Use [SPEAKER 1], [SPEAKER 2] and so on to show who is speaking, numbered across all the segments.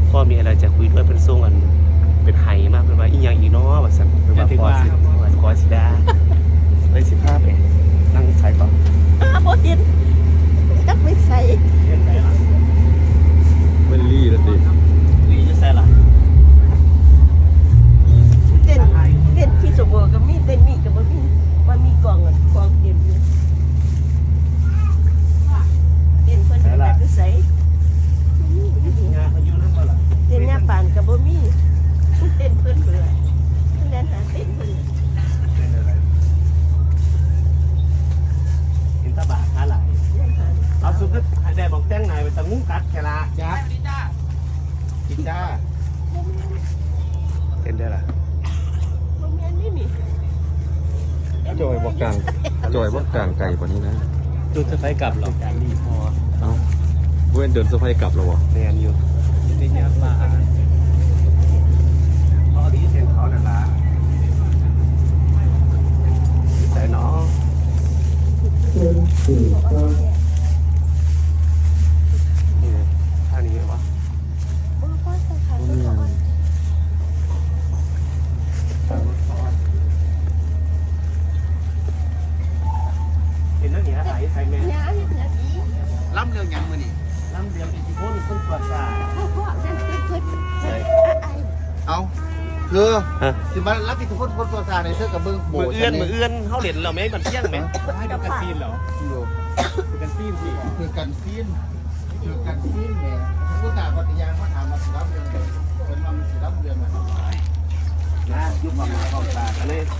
[SPEAKER 1] พ่อมีอะไรจะคุยด้วยเป็นทรงอันเป็นไห้มากเป็นว่าอีหยังอีน้อว่าสั่นเป็นว่าพอสิขอสิดาเลยสิภาพเองนั่งใส่ต่อ
[SPEAKER 2] โบตินจับไม่ใส่
[SPEAKER 3] มันลี่แล้วดิ
[SPEAKER 1] ลี่จะใส่ละ
[SPEAKER 2] เต้นที่สมบูรณ์ก็มีเต้นนี่ก็บ่มีว่ามีกองกองเต็มอยู่เต้นเพิ่นจะไปใส่
[SPEAKER 1] งานเขาอยู่นั่นก็ล่ะ
[SPEAKER 2] เต้นยาปานก็บ่มีเต้นเพิ่นเบื่อเพิ่นเล่นหาเต้นเพิ่น
[SPEAKER 1] เป็นอะไรเห็นตาบาขาหลายเอาสุดก็ได้บอกแจ้งนายไปตะงูกัดแค่ละจ้ากินจ้าเป็นได้ล่ะ
[SPEAKER 2] บ่แม่นนี่
[SPEAKER 3] จอยบอกกลางจอยบอกกลางไก่กว่านี้นะ
[SPEAKER 1] ดูจะไปกลับหรอการรีพอ
[SPEAKER 3] เอ้าเว้นเดินสะพายกลับแล้ววะ
[SPEAKER 1] แนนอยู่ที่นี่มาพอดีเส้นเขานั่นล่ะใส่หนอท่านี้วะเห็นนั่นเนี่ยไหลใส่แม่
[SPEAKER 4] ล้ำเรื่องยังมือนี่
[SPEAKER 1] น้ำเดียวอิทธิพลคนตรวจสา
[SPEAKER 4] เอาคือสิมารับอิทธิพลคนตัวซาในเสื้อกับเบิ้งโบ
[SPEAKER 1] มือเอื้อนเขาเหรียญเราไหมมันเที่ยงไหม
[SPEAKER 3] ให้ดูกันซีนเหรอดูกันซีนสิ
[SPEAKER 4] คือกันซีนเนี่ยผู้ตาปฏิญาณเขาถามมาสิรับเรื่องเป็นมันสิรับเรื่องอะไร
[SPEAKER 1] นะยุบมาเข้าตากันเลย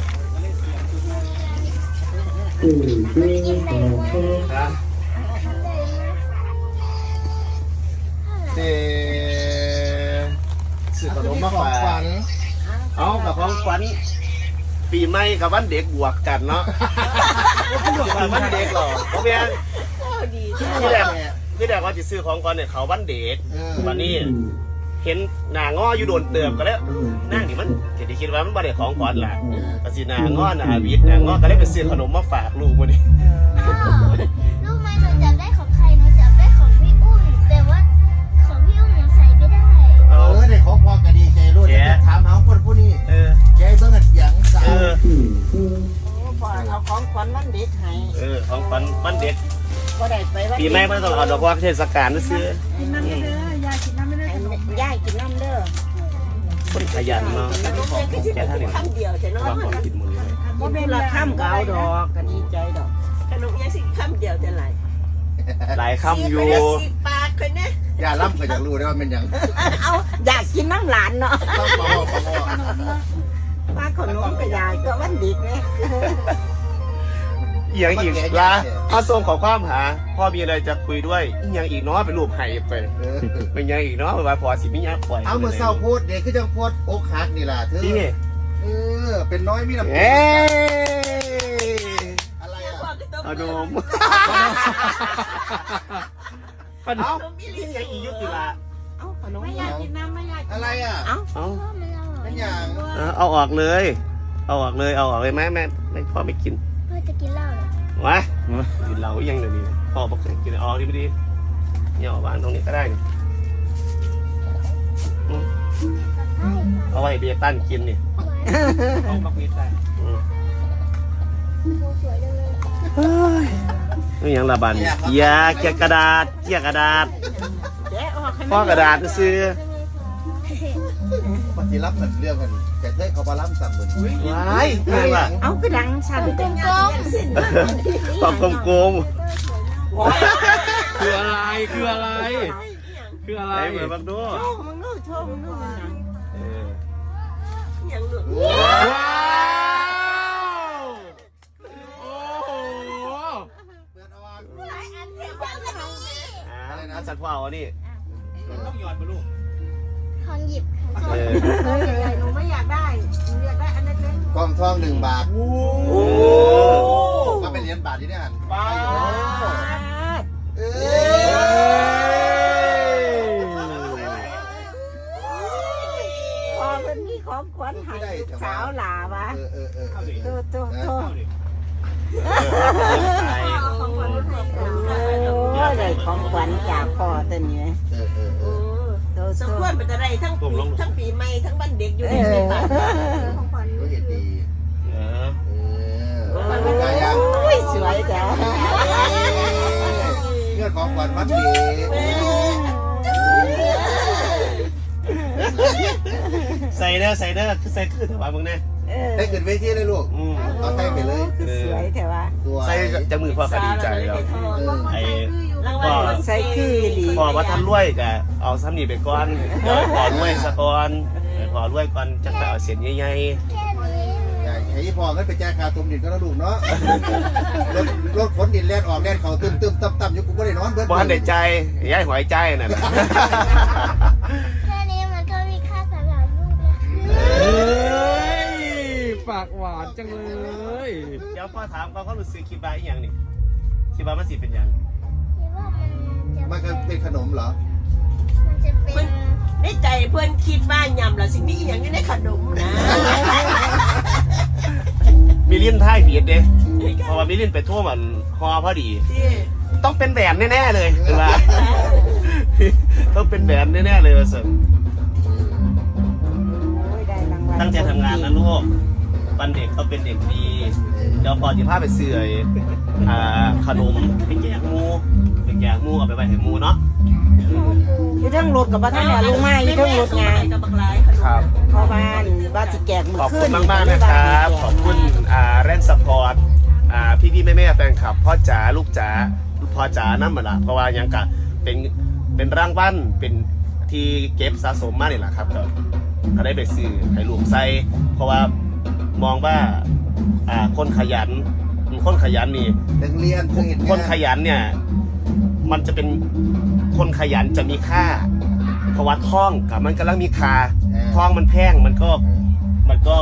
[SPEAKER 4] สื่อขนมมาฝากฝัน
[SPEAKER 1] เอากับของขวัญปีใหม่กับวันเด็กบวกกันเนาะวันเด็กหรอเพราะเพียงพี่แดกว่าจะซื้อของก่อนเนี่ยเขาวันเด็กวันนี้เห็นหน้างออยู่โดนเติมก็แล้วนั่งนี่มันจะคิดว่ามันบ่ได้ของขวัญแหละก็สิหน้างอหน้าวิทย์หน้างอก็เลยไปซื้อขนมมาฝากลูกวันนี้
[SPEAKER 5] รู้ไหมหนูจับได้ของใครหนูจับได้ของพี่อุ้มแต่ว่าของพี่อุ้มหนูใส่ไม่ได้
[SPEAKER 4] ได้ของพอกระดีใจรู้จะถามหาคนผู้นี้แกเบิ้งอัดยังสาว
[SPEAKER 2] บ่เอาของขวัญวันเด็กให้
[SPEAKER 1] ของขวัญวันเด็ก
[SPEAKER 2] บ่ได้ไปวัน
[SPEAKER 1] ปีใหม่ไม่ต้องเอาดอกว่าเทศกาลนะซื้อ
[SPEAKER 2] กินน้ำเด้อยายกินน้ำเด้อยายกินน้ำเด้อ
[SPEAKER 1] คนขยันเนาะ
[SPEAKER 2] แค่คำเดียวแต่น้อย
[SPEAKER 1] กินมือเลย
[SPEAKER 2] บ่เป็นละคำก็เอาดอกก็ดีใจดอกขนมยังสิคำเดียวจะไหล
[SPEAKER 1] หลายคำอยู่
[SPEAKER 2] 10 บาทคนนี้
[SPEAKER 4] อย่าล้ำก็อยากรู้ได้ว่าเป็นยัง
[SPEAKER 2] เอาอยากกินน้ำหลานเนาะว่าขนมกับยายก็วันเด็กไง
[SPEAKER 1] อีกอย่างอีกละพ่อส่งขอความหาพ่อมีอะไรจะคุยด้วยอีกอย่างอีกเนาะเป็นรูปไห่ไปเป็นยังอีกเนาะว่าพอสิมิญาปล่อย
[SPEAKER 4] เอาเมื่อเศร้าโพดเด็กคือจังโพดอกหักนี่ล่ะเธอเป็นน้อยมีน้ำอะไรอ่ะ
[SPEAKER 1] ขนมขนมมีลิ้นอย่างอียุติละ
[SPEAKER 2] เอาขนมไม่อยากกินน้ำไม่อยาก
[SPEAKER 4] อะไรอ่ะ
[SPEAKER 1] เอา
[SPEAKER 4] นั่นอย่าง
[SPEAKER 1] เอาออกเลยเอาออกเลยแม่พ่อไม่กิน
[SPEAKER 5] พ่อจะกินเหล้าเหรอ
[SPEAKER 1] วะกินเหล้ายังเดี๋ยวนี้พ่อบอกกินออกดีเนี่ยเอาวางตรงนี้ก็ได้เอาไว้เบียร์ตั้นกินนี่เอาบักเบียร์ตั้น
[SPEAKER 5] สวยจังเลย
[SPEAKER 1] นี่ยังระบาดเกียร์กระดาษพ่อกระดาษซื้อ
[SPEAKER 4] ปฏิรับเหมือนเรื่องกันแต่เธอเขาบาล้ำสั่งเหมือน
[SPEAKER 1] ว้าย
[SPEAKER 2] เอากระดังสั่น
[SPEAKER 5] กลม
[SPEAKER 1] ปอกกลม
[SPEAKER 3] คืออะไร
[SPEAKER 1] เหมือนบังดู
[SPEAKER 2] โชว์มึงดูอย่างหลุด
[SPEAKER 3] ว้าวโอ้โห
[SPEAKER 1] อะไรนะสัตว์ว่าวนี่ต้องหยอดมาลูก
[SPEAKER 5] ทองหยิบ
[SPEAKER 2] หนูไม่อยากได้หนูอยากได้อันเล็ก
[SPEAKER 4] กองทอง1 บาทก็เป็นเหรียญบาทที่นี่หัน
[SPEAKER 1] บาท
[SPEAKER 2] พอเป็นนี่ของขวัญให้สาวหลาวะโตได้ของขวัญจากพ่อตัวนี้โตสมควรเป็นอะไรทั้งปีใหม่ทั้งวันเด็กอยู่ในบ้าน
[SPEAKER 4] ก็เห็นดี
[SPEAKER 1] เออ
[SPEAKER 4] กายยัง
[SPEAKER 2] อุ้ยสวยจ้ะ
[SPEAKER 4] เงื่อนของขวัญวันเด็ก
[SPEAKER 1] ใส่เด้อคือใส่คือถวายมึงแน่
[SPEAKER 4] ได้ขึ้นเวทีเลยลูกเอาไทยไปเลย
[SPEAKER 2] สวยแต่ว่า
[SPEAKER 4] สวย
[SPEAKER 1] ใส่จะมือพ่อก็ดีใจแล้วไอ้ พ่อ
[SPEAKER 2] ใส่คือดี
[SPEAKER 1] พ่อว่าท่านรวยก็เอาซ้ำนี่ไปก่อนเดี๋ยวพ่อรวยซะก่อนพ่อรวยก่อนจะไปเอาเสียนใหญ่
[SPEAKER 5] แค่นี้
[SPEAKER 4] ไอ้พ่อก็ไปแจ้งคาตุ่มดินก็แล้วลูกเนาะรถขนดินแล่นออกแล่นเขาตึมต่ำอยู่กูไม่ได้นอนเบิด
[SPEAKER 1] ๆบ่ทันได้ใจย้ายหอยใจนั่นน่ะ
[SPEAKER 5] แค่นี้มันก็มีค่าสำหรับลูกแล้ว
[SPEAKER 3] เฮ้ยปากหวานจังเลย
[SPEAKER 1] เดี๋ยวพ่อถามเขารู้สึกคิดว่าอีหยังนี่คิดว่ามันสิเป็นหยัง
[SPEAKER 5] คิดว่า
[SPEAKER 4] มันก็เป็นขนมเหรอ
[SPEAKER 5] มันจะเป็น
[SPEAKER 2] ในใจเพื่อนคิดว่ายำละสิ่งนี้อย่างนี้ในขนมนะ
[SPEAKER 1] มีลิ้นท้ายผิดเด้เพราะว่ามีลิ้นไปทั่วมันฮอพอดี ต้องเป็นแหวนแน่ๆเลยคือว่า ต้องเป็นแหวนแน่ๆเลยว่าสิตั้งใจทำงานนะลูกวันเด็กเขาเป็นเด็กดีเดี๋ยวพอจะพาไปเสื่อยขนมไปแจกหมูเอาไปไว้ให้หมูเนาะ
[SPEAKER 2] อยู่ทั้งรถกับบ้านเนี่ยลุงไม้อยู่ทั้งรถไง
[SPEAKER 1] ครับ
[SPEAKER 2] เพราะบ้านบ้านสิแกกมือ
[SPEAKER 1] ขอบ
[SPEAKER 2] ขึ้
[SPEAKER 1] คุ
[SPEAKER 2] น
[SPEAKER 1] ณมากๆนะครับขอบคุณแรนซัพพอร์ตพี่แม่แฟนคลับพ่อจ๋าลูกจ๋าพ่อจ๋านั่นมาละเพราะว่ายังกะเป็นรางวัลเป็นที่เก็บสะสมมาเนี่ยแหละครับก็ได้ไปซื้อให้ลูกใส่เพราะว่ามองว่าคนขยันนี่
[SPEAKER 4] นักเรียน
[SPEAKER 1] คนขยันเนี่ยมันจะเป็นคนขยันจะมีค่าเพราะว่าท่องกับมันกำลังมีค่าท่องมันแพงมันก็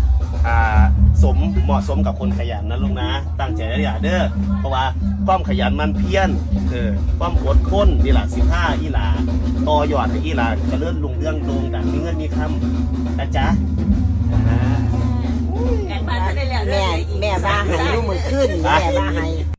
[SPEAKER 1] เหมาะสมกับคนขยันนะลุงนะตั้งใจอย่าเด้อเพราะว่าความขยันมันเพี้ยนความอดทนนี่แหละ15อีหลาต่อยอดให้อีหลาจะเลื่อนลุงเรื่องโด่งดังมีเงินมีคำนะจ๊ะ
[SPEAKER 2] แม่บ้าให้ลูกมือขึ้นแม่บ้าให้